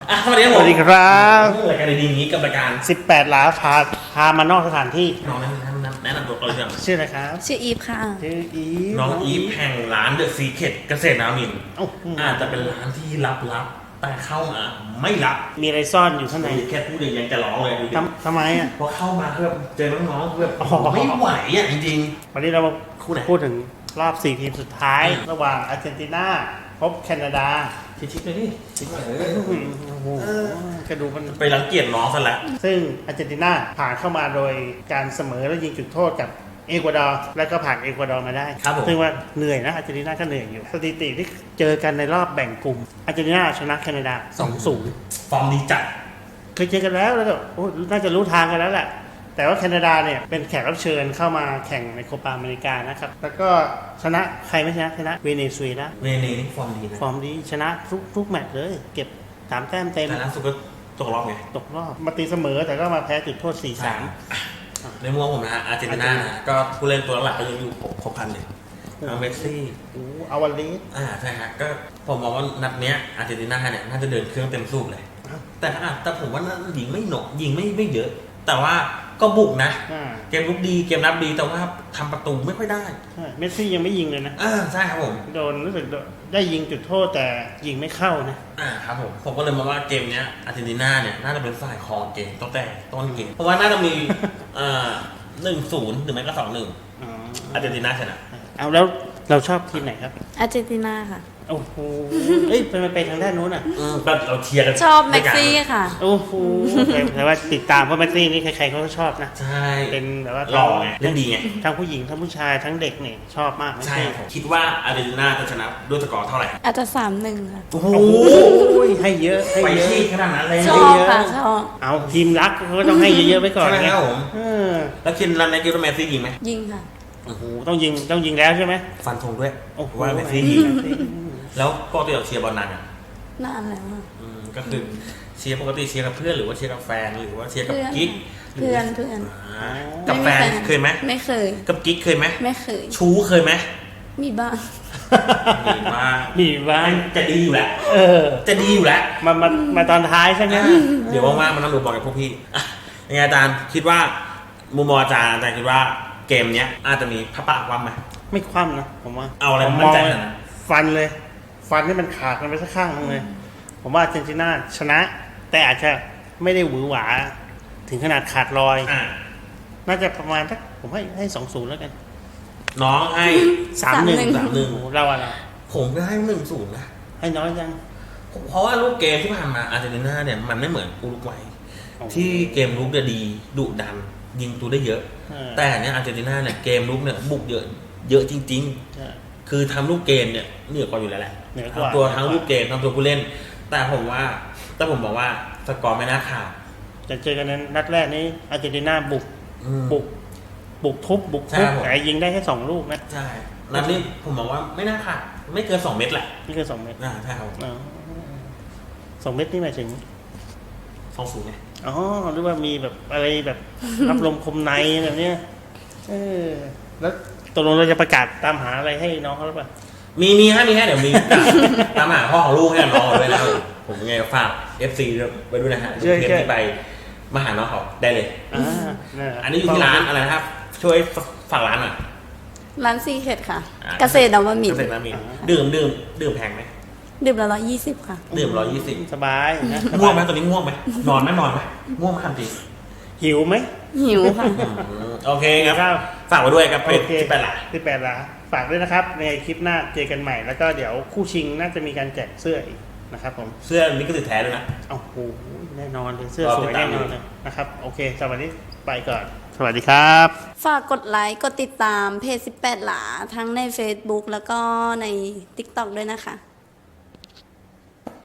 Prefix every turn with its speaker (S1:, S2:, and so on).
S1: สวัสดีครับ
S2: สวัสดีครับ
S1: รายการดีๆนี้กับรายการ
S2: 18 ล้าพามานอกสถานที่
S1: น้องแนะนำตัวก่อนเลยครับ
S2: ชื่ออะไรครับ
S3: ชื่ออีฟค่ะ
S2: ชื่ออีฟ
S1: น้องอีฟแห่งร้านเดอะซีเคทเกษตรนามินทร์
S2: เอ้า
S1: อาจจะเป็นร้านที่ลับๆแต่เข้ามาไม่ลับ
S2: มีอะไรซ่อนอยู่ข้างใน
S1: แค่พูดเองยังจะร้องเลยดูดิ
S2: ทำไมอ่ะ
S1: พอเข้ามาคือแบบเจอน้องๆคือแบบ
S2: อ๋อ
S1: ไม่ไหวอ่ะจริง
S2: วันนี้เรามา
S1: คู่ไหน
S2: พูดถึงรอบ 4 ทีมสุดท้าย ระหว่างอาร์เจนตินาพบแคนาดา
S1: ๆชิคๆเลยดิชิคๆเลย
S2: โอ้โหกระดูมัน
S1: ไปรังเกียจน้องซะแล้ว
S2: ซึ่งอาร์เจนตินาผ่านเข้ามาโดยการเสมอและยิงจุดโทษกับเอกวาดอร์แล้วก็ผ่านเอกวาดอร์มาได้
S1: ครับผม
S2: ซึ่งว่าเหนื่อยนะอาร์เจนตินาก็เหนื่อยอยู่สถิติที่เจอกันในรอบแบ่งกลุ่มอาร์เจนตินาชนะแคนาดา 2-0
S1: ฟอร์มดีจัด
S2: เคยเจอกันแล้วก็โอ้น่าจะรู้ทางกันแล้วแหละ แต่ว่าแคนาดาเนี่ยเป็นแขกรับเชิญเข้ามาแข่งในโคปาอเมริกานะครับ แล้วก็ชนะใครไม่ชนะชนะเวเนซุเอลา
S1: เวเนนี่ฟอร์มดีนะ
S2: ฟอร์มดีชนะทุกแมตช์เลย เก็บ 3 แต้มเต็ม
S1: แต่ล่าสุดก็ตกรอบไง
S2: ตกรอบมาตีเสมอแต่ก็มาแพ้จุดโทษ 4-3
S1: ในมุมผมนะอาร์เจนตินานะก็ผู้เล่นตัวหลักก็ยังอยู่ครบครันเลยทั้งเมสซี่
S2: โอ้อาวาเลส
S1: ใช่ฮะก็ผมมองว่านัดเนี้ยอาร์เจนตินาเนี่ยน่าจะเดินเครื่องเต็มสูบเลย แต่ผมว่ายิงไม่หนกยิงไม่เยอะ แต่ว่าก็บุกนะ
S2: อ่า
S1: เกมลุกดีเกมรับดีแต่ว่าทำประตูไม่ค่อยได้
S2: ใช่เมสซี่ยังไม่ยิงเลยนะ
S1: ใช่ครับผม
S2: โดนรู้สึกได้ยิงจุดโทษแต่ยิงไม่เข้านะ
S1: ครับผมก็เลยมองว่าเกมเนี้ยอาร์เจนตินาเนี่ยน่าจะเป็นฝ่ายครองเกมตั้งแต่ต้นเกมเพราะว่าน่าจะมี1-0หรือไม่ก็2-1
S2: อ๋อ
S1: อาร์เจนตินาชนะ
S2: เอาแล้วเราชอบทีมไหนครับ
S3: อาร์เจนตินาค่ะ
S2: โอ้โหเอ้ยไปทางด้านนู้นอ่ะ
S1: ก็เราเชียร์กัน
S3: ชอบแม็กซี่ค่ะ
S2: โอ้โหแต่ว่าติดตามเพราะแมสซี่นี่ใครๆเขาก็ชอบนะ
S1: ใช่
S2: เป็นแบบว่า
S1: หล่อไงเล่นดีไง
S2: ทั้งผู้หญิงทั้งผู้ชายทั้งเด็กเนี่ยชอบมากแมส
S1: ใช่
S2: ซี่
S1: ผมคิดว่าอาร์เจนตินาจะชนะด้วยสกอร์เท่าไหร่
S3: อาจจะ3-1ค่ะ
S1: โอ้โห
S2: โอ้ยให้เยอะให้
S1: ไป
S2: เยอะ
S1: ที่ขนาดนั้นเลย
S3: ชอบค่ะชอบ
S2: เอาทีมรักเขาก็ต้องให้เยอะๆไว้ก่อน
S1: ใช่ไหมครับผม
S2: เออ
S1: แล้วคินรันในเกมแมสซี่ยิงไหม
S3: ยิงค่ะ
S2: โอ้โหต้องยิงแล้วใช่ไหม
S1: ฟันธงด้วย
S2: โอ้โห
S1: ว่าแมสซี่ยิงแล้วปกติเราเชียร์บอลนานอ่ะ
S3: นานแล้วอะ
S1: ก็คือเชียร์ปกติเชียร์กับเพื่อนหรือว่าเชียร์กับแฟนหรือว่าเชียร์กับกิ๊ก
S3: เพื่อน
S1: กับแฟนเคยไหม
S3: ไม่เคย
S1: กับกิ๊กเคยไหม
S3: ไม่เคย
S1: ชู้เคยไหม
S3: มีบ้าง
S1: มีมาก
S2: มีบ้าง
S1: จะดีอยู่แหละ
S2: เออ
S1: จะดีอยู่แล้ว
S2: มาตอนท้ายใช่ไหม
S1: เดี๋ยวว่างๆมานั่งดูบอลกับพวกพี่อ่ะยังไงอาจารย์คิดว่ามุมมองอาจารย์คิดว่าเกมเนี้ยอาจจะมีพระปะความไหม
S2: ไม่คว่ำนะผมว่า
S1: เอาอะไร
S2: ผม
S1: มั่นใจ
S2: ง
S1: ขนาดนั้น
S2: ฟันเลย ฟันให้มันขาดกันไปสักข้างนึงเลย ผมว่าอาร์เจนตินาชนะ แต่อาจจะไม่ได้หวือหวา ถึงขนาดขาดลอย น่าจะประมาณสักผมให้2-0แล้วกัน
S1: น้องให้
S2: 3-1
S1: 3-1
S2: โอ้โหเราอะไร
S1: ผมก็ให้1-0นะ
S2: ให้น้อยจัง
S1: เพราะว่าลูกเกมที่ผ่านมาอาร์เจนตินาเนี่ยมันไม่เหมือนอุรุกวัยที่เกมลุกจะดีดุดัน ยิงตัวได้เยอะ แต่เนี่ยอาร์เจนตินาเนี่ยเกมลุกเนี่ยบุกเยอะจริง ๆ คือทำลูกเกมเนี่ยเหนือกว่าอยู่แล้วแหละ
S2: เหนือกว่า
S1: ทำตัวทั้งลูกเกมทำตัวผู้เล่น แต่ผมบอกว่าสกอร์ไม่น่าขาด
S2: จะเจอกันนั้นนัดแรกนี้อาร์เจนตินาบุก
S1: อืม
S2: ทุบ
S1: ใช่ครับผม
S2: แต่ยิงได้แค่2 ลูกนะ
S1: ใช่นัดนี้ผมบอกว่าไม่น่าขาดไม่เกิน2 เม็ดแหละ
S2: นี่คือ2 เม็ด
S1: ใช่ครับ
S2: อ๋อ2 เม็ดนี่หมายถึง
S1: 2-0ไง
S2: อ๋อหรือว่ามีแบบอะไรแบบ รับลมคมในแบบเนี้ยแล้วตกลงเราจะประกาศตามหาอะไรให้น้องเขาหรือเปล่า
S1: มีให้เดี๋ยวมี ตามหาพ่อของลูกให้น้องเขาด้วยนะผมยังไงฝาก FC ไปด้วยนะฮะเพื่อนที่ไปมาหาน้องเขาได้เลย อันนี้อยู่ที่ร้านอะไรนะครับ ช่วยฝากร้านหน่อย
S3: ร้านซีเคทค่ะ เกษตรนวมินท
S1: เกษตร
S3: ร์
S1: น้ำมีดื่มแพงไหม
S3: ดื่มละ120ค่ะ
S1: ดื่ม120
S2: สบายนะ
S1: ง่วงไหมตอนนี้ง่วงไหมนอนไหมง่วงไหมทันที
S2: หิวไหม
S3: หิวค่ะ
S1: โอเคครับ
S2: ครับ
S1: ฝากไว้ด้วยครับเพจ
S2: โอเค
S1: ที่แปดหลัก
S2: ที่8 ล้านฝากด้วยนะครับ ในคลิปหน้าเจอกันใหม่ แล้วก็เดี๋ยวคู่ชิงน่าจะมีการแจกเสื้ออีกนะครับผม
S1: เสื้อลิขสิทธิ์แท้ด้วยนะ
S2: โอ้โหแน่นอนเลยเสื้อ
S1: รอ
S2: ส
S1: ติ
S2: ว
S1: ด
S2: ย
S1: ตาม
S2: แน่นอนเลยนะครับ โอเคสำหรับวันนี้ไปก่อน สวัสดีครับ
S3: ฝากกดไลค์ กดติดตามเพจ18 หลา ทั้งใน Facebook แล้วก็ใน TikTok ด้วยนะคะ